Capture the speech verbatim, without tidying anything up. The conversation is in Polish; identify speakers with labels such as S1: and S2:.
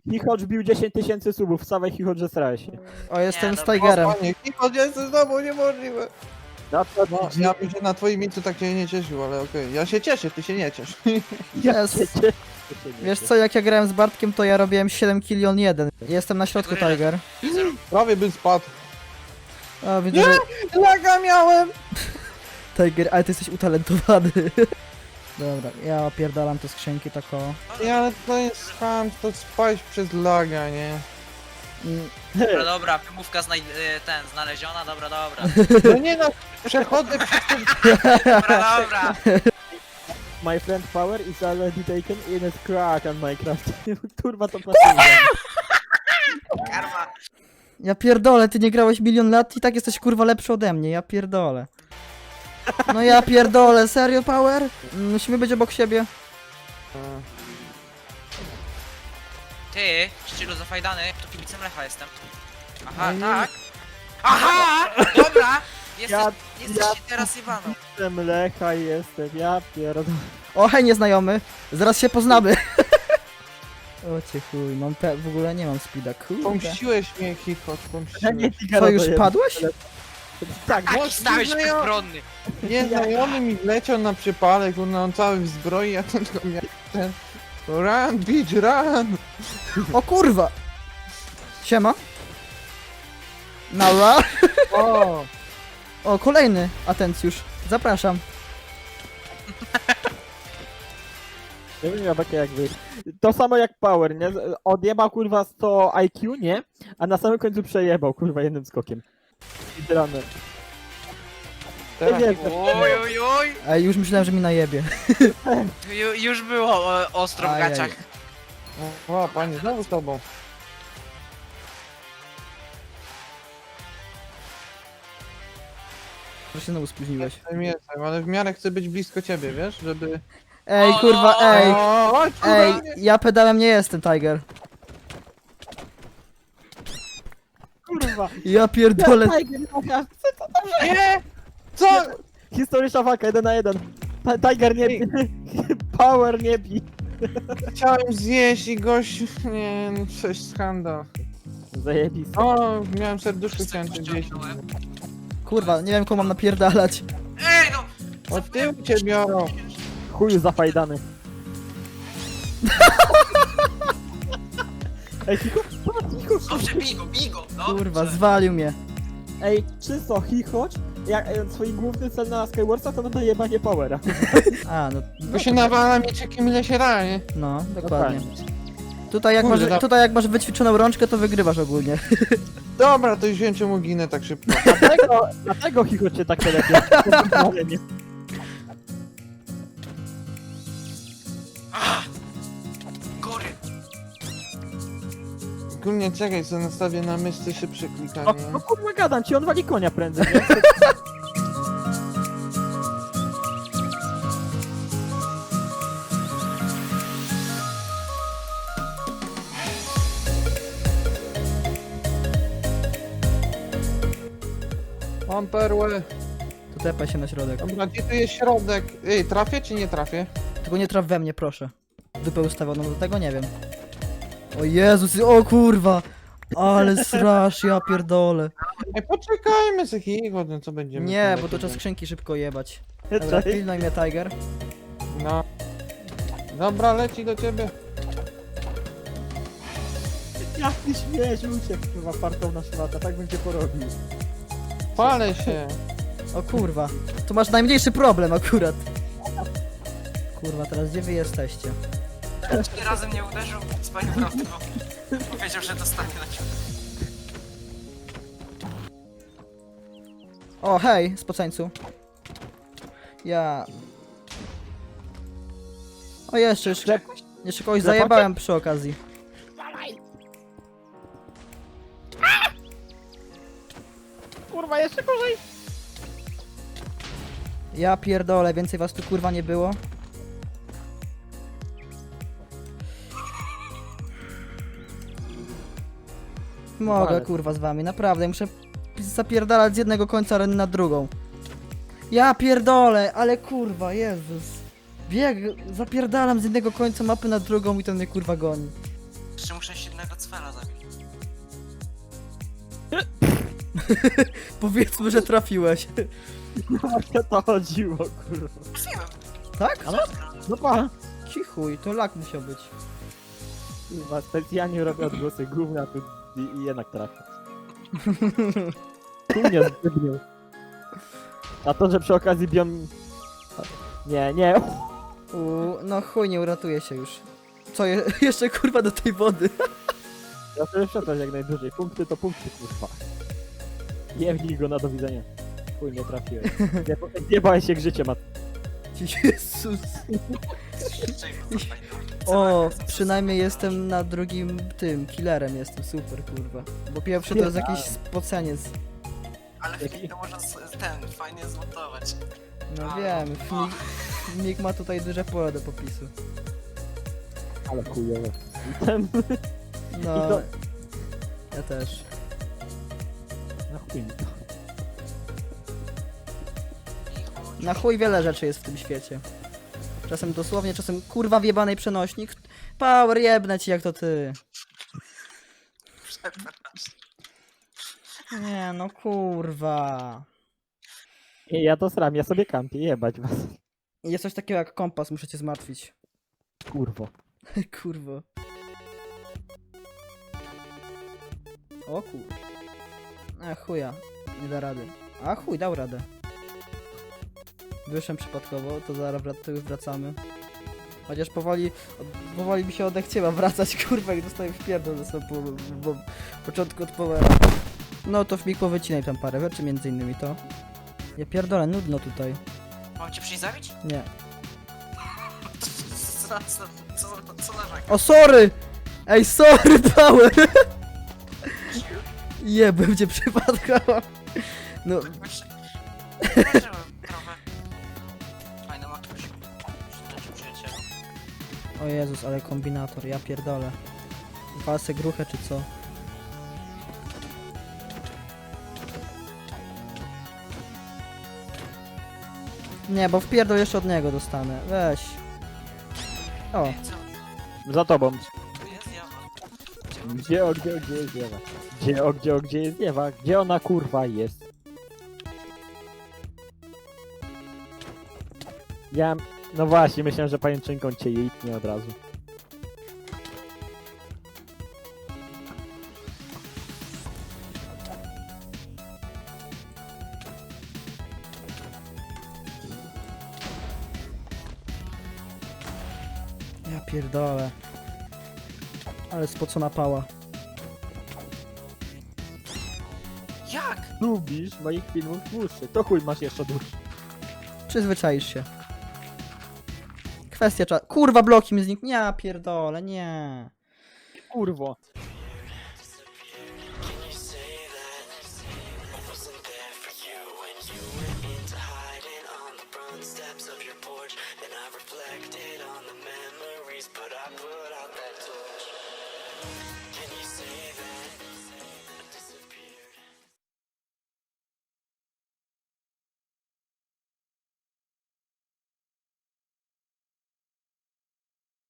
S1: Chichocz bił dziesięć tysięcy subów, wstawaj Chichocz, że starałeś się.
S2: O, jestem
S3: Nie,
S2: z
S3: no,
S2: Tigerem.
S4: Panie, Chichot, jestem znowu niemożliwe.
S1: No to
S4: No, ja bym się na twoim miejscu tak się nie cieszył, ale okej. Ja się cieszę, ty się nie ciesz.
S2: Jest. Wiesz co, jak ja grałem z Bartkiem, to ja robiłem siedem killi on jeden. Jestem na środku, Tiger.
S4: Prawie bym spadł.
S2: O, widzę, że...
S4: Laga miałem!
S2: Tiger, ale ty jesteś utalentowany. Dobra, ja opierdalam te skrzynki tak o...
S4: Nie, ale to jest ham, to spaść przez laga, nie?
S2: Mm,
S3: Dobra, dobra, wymówka znaj... y, ten, znaleziona, dobra, dobra.
S4: No nie no, przechodzę przez ten...
S3: Dobra, dobra.
S1: My friend power is already taken in a crack on Minecraft. Kurwa to pasuje.
S3: Karma.
S2: Ja pierdolę, ty nie grałeś milion lat i tak jesteś kurwa lepszy ode mnie, ja pierdolę. No ja pierdolę, serio Power? Musimy być obok siebie.
S3: Ty, szczylu zafajdany, to kibicem Lecha jestem. Aha,
S2: No nie.
S3: tak. Aha! Dobra! Jesteś,
S1: Ja-
S3: jesteś
S1: ja-
S3: teraz Iwaną.
S1: Jestem Lecha jestem, ja pierdolę.
S2: O hej nieznajomy, zaraz się poznamy. O cię chuj, mam pe... w ogóle nie mam speeda, kurde.
S4: Pomściłeś mnie, Chichot,
S1: Ja nie
S4: pomściłeś.
S1: Tigera
S2: Co, już
S1: dojebał.
S2: padłeś?
S1: Tak,
S3: Taki
S4: Bo-
S3: stałeś
S4: no ja-
S3: bezbronny.
S4: Nieznajomy mi wleciał na przypale, kurna, on cały w zbroi, a ten tylko miał ten... Run, bitch, run!
S2: O kurwa! Siema. Nara.
S4: O!
S2: O, kolejny atencjusz. Zapraszam.
S1: ja bym miał takie jakby... To samo jak Power, nie? Odjebał kurwa sto I Q, nie? A na samym końcu przejebał kurwa jednym skokiem. Speedrunner.
S4: Teraz
S1: Nie wiem,
S3: Oj, oj, oj.
S2: Ej, już myślałem, że mi najebie.
S3: Ju, już było e, ostro w
S2: Ajaj.
S3: gaciach.
S4: O, panie, znowu z tobą.
S2: Że się znowu spóźniłeś.
S4: Jestem, jestem, ale w miarę chcę być blisko ciebie, wiesz, żeby...
S2: Ej, kurwa, ej!
S4: O, chodź, kurwa,
S2: Ej,
S4: nie-
S2: ja pedałem nie jestem, Tiger.
S1: Kurwa.
S2: Ja pierdolę.
S1: Tiger, Lecha,
S4: Nie! Co?
S1: historyczna walka, jeden na jeden. Ti- Tiger nie bi. Power nie bi.
S4: Chciałem zjeść i gość... Nie, no coś skandal.
S1: Zajebiste.
S4: O, miałem serduszko, chciałem cię zjeść.
S2: Kurwa, nie wiem komu mam napierdalać.
S3: Ej, no!
S4: Od tyłu cię biorą.
S1: Chuju zafajdany. Ej, Chicho, Chicho,
S3: Dobrze, bigo, bigo.
S2: Kurwa, zwalił mnie.
S1: Ej, czysto, Chichocz, jak e, swój główny cel na Skywarsa to na jebanie Powera.
S2: A, no,
S4: Bo się nawala mieczykiem ile się da, nie?
S2: no, dokładnie. Tutaj jak,
S4: Kurde,
S2: masz,
S4: da-
S2: tutaj jak masz wyćwiczoną rączkę, to wygrywasz ogólnie.
S4: Dobra, to już wiem czemu ginę tak szybko.
S1: Dlatego, dlatego Chichocz się tak telepie.
S3: Ah! Gory.
S4: Ogólnie czekaj, co nastawię na myszce szybsze
S1: No,
S4: klikanie.
S1: no kurwa gadam ci, on wali konia prędzej, nie?
S4: Mam perłę.
S2: To tepaj się na środek.
S4: Dobra, gdzie tu jest środek? Ej, trafię czy nie trafię?
S2: Tylko nie traf we mnie, proszę. Dupę ustawioną do tego, nie wiem. O Jezus, o kurwa! Ale strasz, ja pierdolę.
S4: Ej, poczekajmy z jakiego, no co będziemy...
S2: Nie,
S4: tu
S2: bo to
S4: lecieć?
S2: trzeba skrzynki szybko jebać. Dobra,
S1: Cześć.
S2: pilnuj mnie, Tiger.
S4: No. Dobra, leci do ciebie.
S1: Jak ty śmiesz uciekł, kurwa, fartowna szmata, tak bym cię porobił.
S4: Palę się.
S2: O kurwa. Tu masz najmniejszy problem akurat. Kurwa, teraz gdzie wy jesteście?
S3: Trzy razy mnie uderzył z panią prawdą. Powiedział, że dostanie na ciebie.
S2: O, hej, spoceńcu. Ja... O, jeszcze, jeszcze, jeszcze kogoś zajebałem przy okazji.
S1: Kurwa, jeszcze gorzej.
S2: Ja pierdolę, więcej was tu kurwa nie było. Mogę
S1: Walec.
S2: kurwa z wami, naprawdę, muszę zapierdalać z jednego końca areny na drugą. Ja pierdolę, ale kurwa, Jezus. Bieg, zapierdalam z jednego końca mapy na drugą i to mnie kurwa goni.
S3: Jeszcze muszę się innego cwela zabić.
S2: Powiedzmy, że trafiłeś.
S1: No właśnie o to chodziło, kurwa.
S3: Trafiłem.
S2: Tak?
S1: A no, no pa.
S2: Cichuj, to lak musiał być.
S1: Kurwa, specjalnie robię odgłosy gówna tu i, i jednak trafię. Tu mnie zdybnił. A to, że przy okazji bią... Nie, nie.
S2: U, no chuj, nie uratuje się już. Co, je, jeszcze kurwa do tej wody.
S1: Ja sobie przepraszam jak najdłużej. Punkty to punkty, kurwa. Jebnij go na do widzenia. Chuj, nie trafiłem. Nie, nie bałem się jak życie ma.
S2: Jezus. O, przynajmniej jestem na drugim tym, killerem jestem, super kurwa. Bo pierwszy to jest jakiś spoceniec.
S3: Ale Filip to można z- ten, fajnie zmontować.
S2: No wiem, Fmig, Fmig ma tutaj duże pole do popisu.
S1: Ale chujowe. Ten...
S2: No,
S1: I to-
S2: ja też.
S1: Na chuj mi to.
S2: Na chuj wiele rzeczy jest w tym świecie. Czasem dosłownie, czasem kurwa wjebanej przenośnik. Power jebnę ci jak to ty.
S3: Przepraszam.
S2: Nie no kurwa.
S1: Nie, ja to sram, ja sobie kampię, jebać was.
S2: Jest coś takiego jak kompas, muszę cię zmartwić.
S1: Kurwo.
S2: Kurwa. O kur... A chuja, nie da rady. A chuj, dał radę. Wyszłem przypadkowo, to zaraz wrac- wracamy. Chociaż powoli, powoli mi się odechciała wracać, kurwa, i dostaję w pierdol ze sobą po, po, po początku od powera. No to w mig powycinaj tam parę rzeczy, między innymi to. Ja pierdolę, nudno tutaj.
S3: Mam cię przyjść zabić?
S2: Nie.
S3: Co, co, co, co, co narzekam?
S2: O, sorry! Ej, sorry, Power! Jebem cię przypadkowo. No,
S3: Zobaczyłem trochę. Fajna matuś. Przyjaciel, przyjacielu.
S2: o Jezus, ale kombinator, ja pierdolę. Walsę gruchę czy co? Nie, bo wpierdol jeszcze od niego dostanę. Weź. O,
S3: Ej, co?
S1: Za tobą.
S3: Tu jest jawa.
S1: Gdzie, o, gdzie, o, gdzie jest Ewa? Gdzie, o, gdzie, o, gdzie jest Ewa? Gdzie ona kurwa jest? Ja... No właśnie, myślałem, że pajęczynką cię jejtnie od razu.
S2: ja pierdolę. Ale spocona pała.
S3: Jak?
S1: Lubisz moich filmów dłuższych, to chuj masz jeszcze dłuższy.
S2: Przyzwyczaisz się. Kwestia czasu. Kurwa, bloki mi znikną. Ja pierdolę, nie.
S1: Kurwo.
S5: Steps of your porch, then I reflected on the memories, but I put